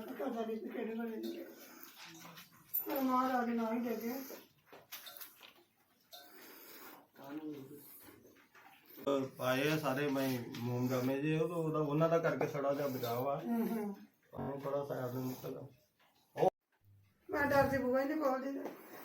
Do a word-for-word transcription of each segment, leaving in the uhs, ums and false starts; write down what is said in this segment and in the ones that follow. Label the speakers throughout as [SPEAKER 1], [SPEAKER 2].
[SPEAKER 1] पता सारी किहड़े बने ने पर महाराज ना ही देगे
[SPEAKER 2] पाए आ सारे मैं मोम जामे जे तो उन्हों का करके थोड़ा जा बचाव आ थोड़ा साइड में निकल
[SPEAKER 1] मैं डरती बुआ ही नहीं खोलती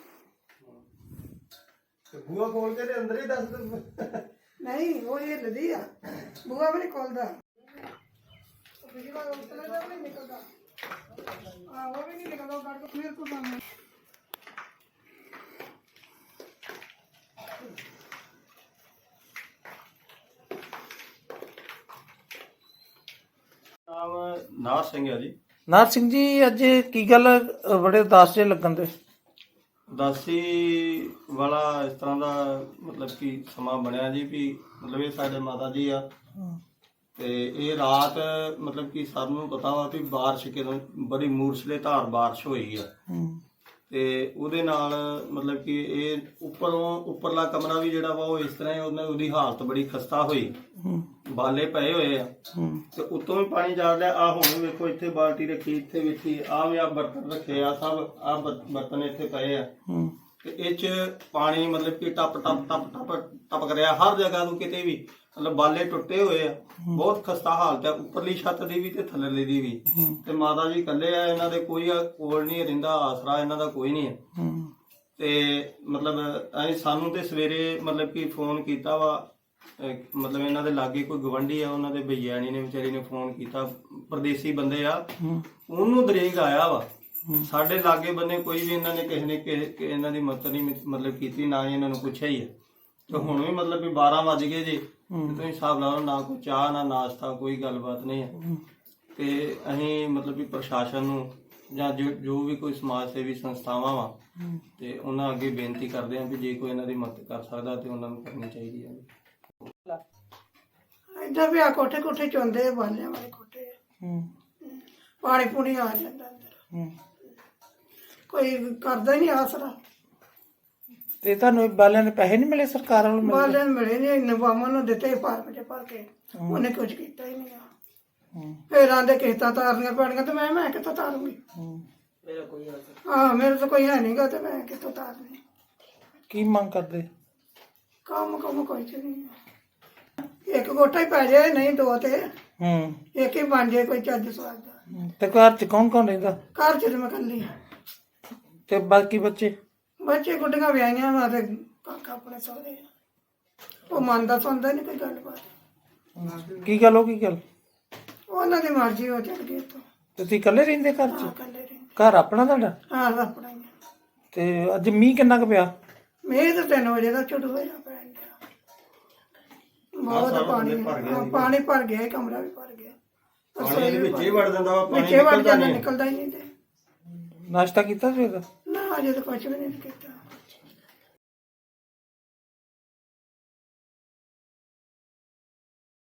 [SPEAKER 2] बुआ खोल के अंदर ही दस
[SPEAKER 1] नहीं वो ये लदी आ बुआ भी नहीं खोलता पिछली बार उतला जब नहीं निकलता हाँ वो भी नहीं निकलता काट को फिर को सामने
[SPEAKER 2] नाम नार सिंह है जी।
[SPEAKER 3] नार सिंह जी अज की गल बड़े उदास जे लगन दे
[SPEAKER 2] उदासी वाला इस तरह का मतलब कि समा बनया जी भी मतलब ये साडे माता जी आ ते ये रात मतलब कि सानू पता वा भी बारिश किदों बड़ी मूसलेधार बारिश हुई है ते उहदे नाल मतलब कि ये उपरों उपरला कमरा भी जिहड़ा वा वो इस तरह उहने उहदी हालत बड़ी खस्ता हुई बाले पए हुए आ ते उत्तों भी पानी जा रहा आ हुण वेखो इत्थे बाल्टी रखी इत्थे विछी आ भी आ बर्तन रखे आ सब आ बर्तन इत्थे पए आ ते इह च पानी मतलब कि टप टप टप टप टपक रहा हर जगह तो किते भी मतलब बाले टुटे हुए आ बहुत खस्ता हालत है उपरली छत दी भी ते थल्लेली दी भी ते माता जी कल्ले आ इन्हां दे कोई कोल नहीं रहिंदा आसरा इन्हां दा कोई नहीं है ते मतलब असीं सानू ते सवेरे मतलब कि फोन कीता वा मतलब इन्हां दे लागे कोई गवंडी आ उन्हां दे भैयाणी ने विचारी ने फोन कीता परदेसी बंदे आ ओनू दरेग आया वा साडे लागे बन्ने कोई भी इन्हां ने किसी ने इन्हां दी मदद नहीं मतलब कीती ना ही इन्हां नूं पुछया ही है तो हुण भी मतलब भी बारह वज गए जी तुसीं हिसाब ला लो ना कोई चाह ना नाश्ता कोई गलबात नहीं है ते असीं मतलब भी प्रशासन नूं जां जो जो भी कोई समाज सेवी संस्थावां वा ते उन्हां अगे बेनती करदे हां भी जे कोई इन्हां दी मदद कर सकदा ते उन्हां नूं करनी चाहीदी है
[SPEAKER 1] इधर भी आ कोठे कोठे चौंदे बालियां वाले कोठे पानी पूनी आ जाता अंदर कोई करदा ही नहीं आसरा
[SPEAKER 3] ते तुहानू बालियां ने पैसे नहीं मिले सरकार वालों मिले
[SPEAKER 1] बालियां मिले नहीं इन्ने बामां नूं दित्ते फार्म च भर के उन्हें कुछ कीता ही नहीं फिर आंदे किस्तां तारनियां पैणियां ते मैं मैं कित्थों तारूंगी हाँ मेरे तो कोई है नहीं गा ते मैं कित्थों तारनी
[SPEAKER 3] की मंग करदे
[SPEAKER 1] काम कम कोई च नहीं एक कोठा ही पै जाए नहीं दो ते एक ही बन जाए कोई चज स्वाद दा
[SPEAKER 3] ते घर च कौन कौन रहिंदा
[SPEAKER 1] घर च ते मैं कल्ली
[SPEAKER 3] ते बाकी बच्चे
[SPEAKER 1] बच्चे गुड्डियां विआहियां वा ते काका अपने सौहरे वो मनदा सुनदा नहीं कोई गलबात
[SPEAKER 3] की गल हो की गल
[SPEAKER 1] उन्हां दी मर्जी हो चल गए तो
[SPEAKER 3] तुसीं इकल्ले रहिंदे घर च
[SPEAKER 1] कल्ले रहिंदे
[SPEAKER 3] घर अपना तुहाडा
[SPEAKER 1] हाँ अपना ही
[SPEAKER 3] ते अज मींह किन्ना क पिया
[SPEAKER 1] मेरे तो तीन बजे का झुट होया पैन दिया बहुत पानी हाँ, पानी भर गया कमरा भी भर गया
[SPEAKER 2] पानी दे विच ही वड़ जांदा वा पानी
[SPEAKER 1] विच ही वड़ जांदा निकलदा ही नहीं ते
[SPEAKER 3] नाश्ता कीता सवेर दा
[SPEAKER 1] ना अजे तो कुछ भी नहीं कीता